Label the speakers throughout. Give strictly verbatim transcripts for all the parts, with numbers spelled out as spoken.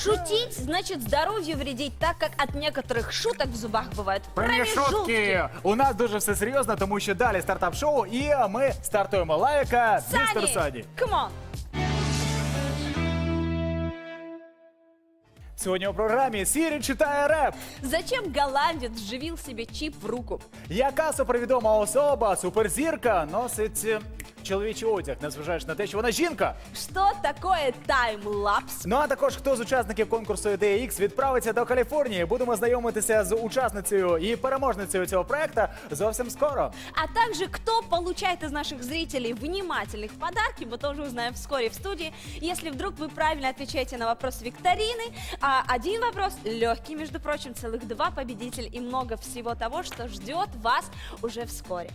Speaker 1: Шутить значит здоровью вредить, так как от некоторых шуток в зубах бывают
Speaker 2: Проміжутки!
Speaker 1: промежутки.
Speaker 2: У нас дуже все серйозно, тому що далі стартап-шоу, і ми стартуємо. Лайка, містер Сані.
Speaker 1: Come on.
Speaker 2: Сьогодні у програмі Сірі читає реп.
Speaker 1: Зачем голландец вживил себе чип в руку?
Speaker 2: Яка супервідома особа, суперзірка, носить е, чоловічий одяг, незважаючи на те, що вона жінка?
Speaker 1: Что такое таймлапс?
Speaker 2: Ну а також хто з учасників конкурсу Ідея Ікс відправиться до Каліфорнії. Будемо знайомитися з учасницею і переможницею цього проекту зовсім скоро.
Speaker 1: А также, кто получает из наших зрителей внимательных подарки, мы тоже узнаем вскоре в студии. Если вдруг вы правильно отвечаете на вопрос викторины, а один вопрос легкий, между прочим, целых два победителя и много всего того, что ждет вас уже вскоре.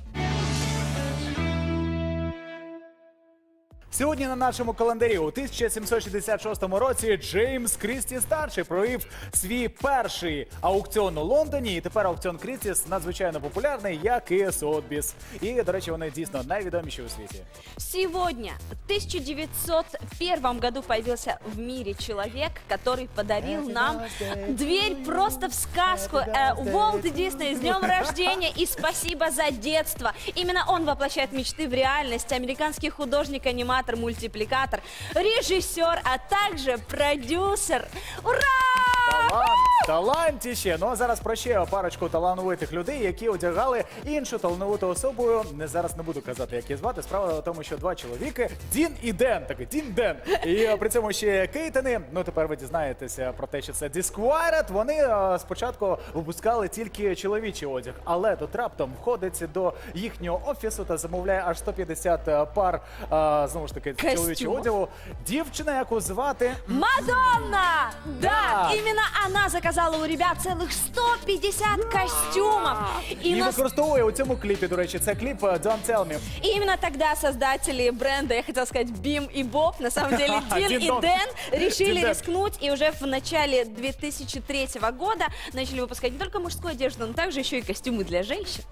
Speaker 2: Сьогодні на нашому календарі у тисяча сімсот шістдесят шостому році Джеймс Крісті старший провів свій перший аукціон у Лондоні. І тепер аукціон Крістіс надзвичайно популярний, як і Сотбіс. І, до речі, вони дійсно найвідоміші у світі.
Speaker 1: Сегодня, в тысяча девятьсот первом году, появился в мире человек, который подарил нам дверь просто в сказку. Э, Уолт Дисней, с днем рождения и спасибо за детство. Именно он воплощает мечты в реальность. Американский художник, аниматор, мультипликатор, режиссер, а также продюсер. Ура!
Speaker 2: Талант, талантіще. Ну а зараз про ще парочку талановитих людей, які одягали іншу талановиту особу. Не зараз не буду казати, як її звати. Справа в тому, що два чоловіки, Дін і Ден, такий Дін Ден. І при цьому ще Кейтени. Ну тепер ви дізнаєтеся про те, що це Disquiet. Вони а, спочатку випускали тільки чоловічий одяг, але тут раптом входить до їхнього офісу та замовляє аж сто п'ятдесят пар, а, знову ж таки,
Speaker 1: Костюмов.
Speaker 2: чоловічого одягу. Дівчина, яку звати
Speaker 1: Мадонна! Да,
Speaker 2: Да.
Speaker 1: именно она заказала у ребят целых сто пятьдесят костюмов. И,
Speaker 2: І
Speaker 1: нас-
Speaker 2: використовує у цьому кліпі, до речі, це кліп «Don't Tell Me».
Speaker 1: и именно тогда создатели бренда, я хотела сказать Бим и Боб, на самом деле Дин
Speaker 2: Дин
Speaker 1: и
Speaker 2: Дон.
Speaker 1: Дэн решили
Speaker 2: Дин Дэн.
Speaker 1: рискнуть и уже в начале две тысячи третьего года начали выпускать не только мужскую одежду, но также еще и костюмы для женщин.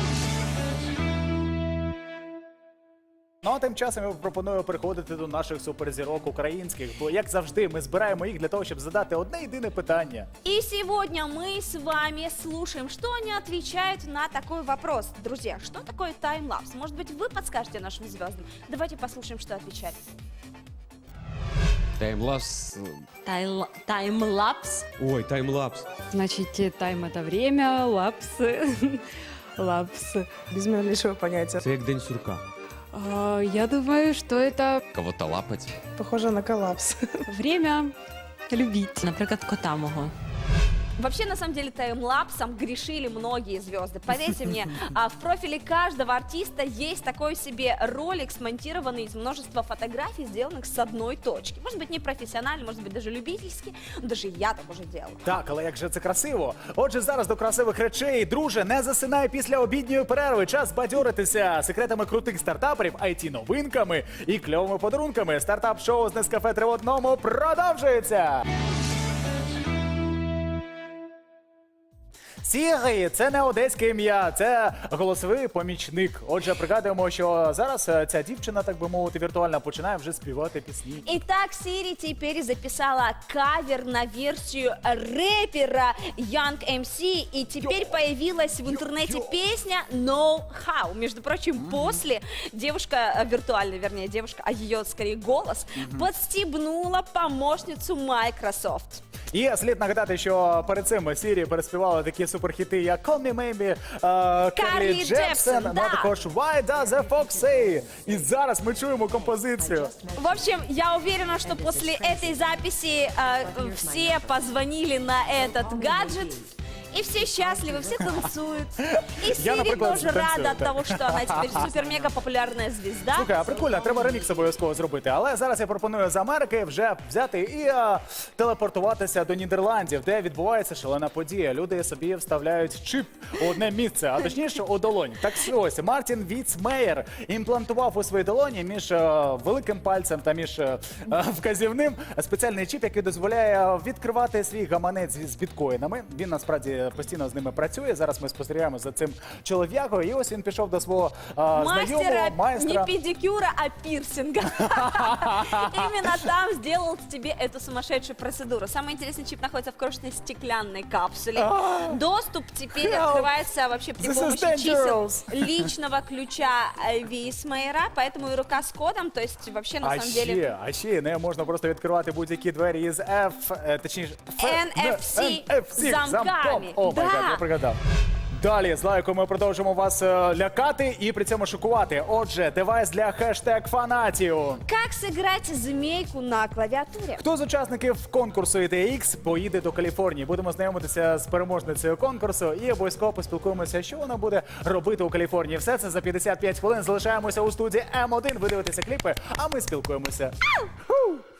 Speaker 2: Ну а тим часом я пропоную переходити до наших суперзірок українських, бо, як завжди, ми збираємо їх для того, щоб задати одне єдине питання.
Speaker 1: И сегодня мы с вами слушаем, что они отвечают на такой вопрос. Друзья, что такое таймлапс? Может быть, вы подскажете нашим звездам? Давайте послушаем, что отвечали.
Speaker 3: Таймлапс.
Speaker 1: Тайл- Таймлапс?
Speaker 3: Ой, таймлапс.
Speaker 4: Значит, э, тайм это время, лапс, лапс.
Speaker 5: Без малейшего понятия.
Speaker 3: Це як день сурка.
Speaker 4: А, Я думаю, что это
Speaker 3: Кого-то лапать.
Speaker 5: Похоже на коллапс.
Speaker 4: время любить.
Speaker 6: Наприклад, кота мого.
Speaker 1: Вообще, на самом деле, таймлапсом грешили многие звезды. Поверьте мне, а в профиле каждого артиста есть такой себе ролик, смонтированный из множества фотографий, сделанных с одной точки. Может быть, не профессионально, может быть, даже любительски. Но даже я так уже делала.
Speaker 2: Так, але як же це красиво. Отже, зараз до красивих речей. Друже, не засинай після обідньої перерви. Час бадьоритися секретами крутих стартаперів, ай ті-новинками і кльовими подарунками. Стартап-шоу з Нескафе три в одному продовжується. Сірі – це не одеське ім'я, це голосовий помічник. Отже, пригадуємо, що зараз е, ця дівчина, так би мовити, віртуально починає вже співати пісні.
Speaker 1: Итак, Сири теперь записала кавер на версию рэпера Young эм си, и теперь появилась в интернете песня No How. Между прочим, после девушка, э, виртуальная, вернее, девушка, а ее скорее голос, подстебнула помощницу Microsoft.
Speaker 2: І слід нагадати, що перед цим Сірі переспівала такі суперхіти, як Call Me Maybe, е, Карлі
Speaker 1: Джепсон,
Speaker 2: Джепсон, ну
Speaker 1: да.
Speaker 2: а також Why Does the Fox Say? І зараз ми чуємо композицію.
Speaker 1: В общем, я уверена, что после этой записи э, все позвонили на этот гаджет. И все счастливы, все танцуют. И Сири
Speaker 2: например,
Speaker 1: тоже
Speaker 2: танцую,
Speaker 1: рада от
Speaker 2: да.
Speaker 1: того, что она теперь супер-мега популярная звезда.
Speaker 2: Слухай, а прикольно, треба ремікс обов'язково зробити. Але зараз я пропоную з Америки вже взяти і е, телепортуватися до Нідерландів, де відбувається шалена подія. Люди собі вставляють чип у одне місце, а точніше у долонь. Так ось, Мартін Віцмеєр імплантував у своїй долоні між е, великим пальцем та між е, е, вказівним спеціальний чіп, який дозволяє відкривати свій гаманець з біткоїнами. Він насправді е, постійно з ними працює. Зараз ми спостерігаємо за цим чолов'якою. І ось він пішов до свого е, знайомого,
Speaker 1: Мастера
Speaker 2: майстра.
Speaker 1: не педикюра, а пирсинга. Именно там сделал тебе эту сумасшедшую процедуру. Самый интересный чип находится в крошечной стеклянной капсуле. Доступ теперь
Speaker 2: Help.
Speaker 1: открывается вообще при
Speaker 2: This is
Speaker 1: помощи чисел
Speaker 2: dangerous.
Speaker 1: личного ключа э, Висмейра, поэтому и рука с кодом, то есть вообще на
Speaker 2: А
Speaker 1: самом деле...
Speaker 2: ще, а ще не можна просто відкривати будь-які двері із F, е, точніше, F,
Speaker 1: ен еф сі
Speaker 2: ен еф сі
Speaker 1: замками.
Speaker 2: О, май
Speaker 1: Да.
Speaker 2: гад, я пригадав. Далі з лайком ми продовжимо вас е, лякати і при цьому шокувати. Отже, девайс для хештег фанатів.
Speaker 1: Как сыграть змейку на клавиатуре?
Speaker 2: Хто з учасників конкурсу ай ті ікс поїде до Каліфорнії? Будемо знайомитися з переможницею конкурсу і обов'язково поспілкуємося, що вона буде робити у Каліфорнії. Все це за п'ятдесят п'ять хвилин. Залишаємося у студії М один. Ви дивитеся кліпи, а ми спілкуємося. Ху!